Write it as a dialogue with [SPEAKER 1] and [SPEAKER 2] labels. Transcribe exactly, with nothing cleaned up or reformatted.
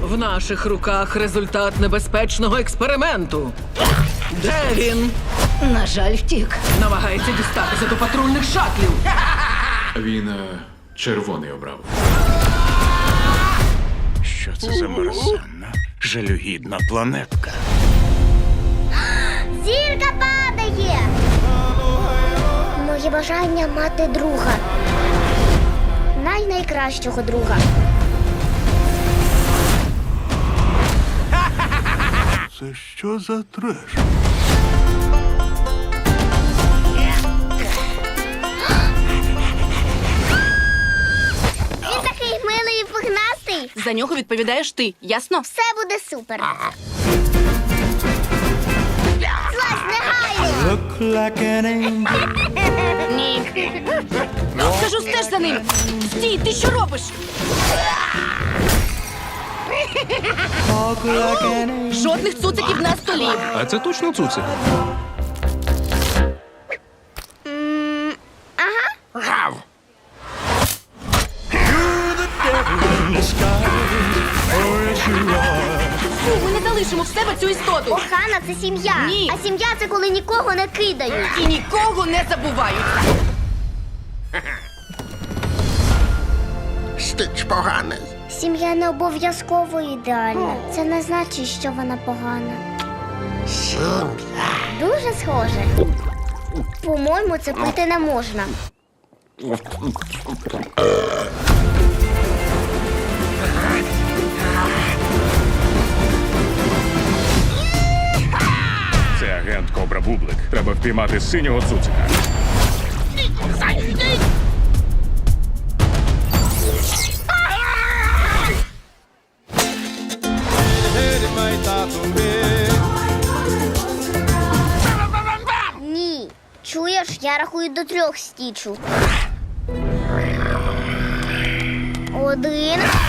[SPEAKER 1] В наших руках результат небезпечного експерименту. Де він?
[SPEAKER 2] На жаль, втік.
[SPEAKER 1] Намагається дістатися до патрульних шатлів.
[SPEAKER 3] Він е, червоний обрав.
[SPEAKER 4] Що це за мерзенна, жалюгідна планетка?
[SPEAKER 5] Зірка падає! Моє бажання мати друга. Най-найкращого друга.
[SPEAKER 4] Це що за треш?
[SPEAKER 5] Він такий милий і пухнастий.
[SPEAKER 2] За нього відповідаєш ти, ясно?
[SPEAKER 5] Все буде супер. Злазь негайно!
[SPEAKER 2] Ні. Скажу, стеж за ним. Стій, ти що робиш? Жодних цуциків на столі.
[SPEAKER 3] А це точно цуцик?
[SPEAKER 4] Гав!
[SPEAKER 2] Фу, ми не залишимо в себе цю істоту.
[SPEAKER 5] Охана – це сім'я.
[SPEAKER 2] Ні.
[SPEAKER 5] А сім'я – це коли нікого не кидають.
[SPEAKER 2] І нікого не забувають.
[SPEAKER 4] Стич поганий.
[SPEAKER 5] Сім'я не обов'язково ідеальна. Це не значить, що вона погана.
[SPEAKER 4] Сім'я.
[SPEAKER 5] Дуже схоже. По-моєму, це пити не можна.
[SPEAKER 4] Це агент Кобра Бублик. Треба впіймати синього цуцика.
[SPEAKER 5] Ні. Чуєш, я рахую до трьох, Стічу. Один.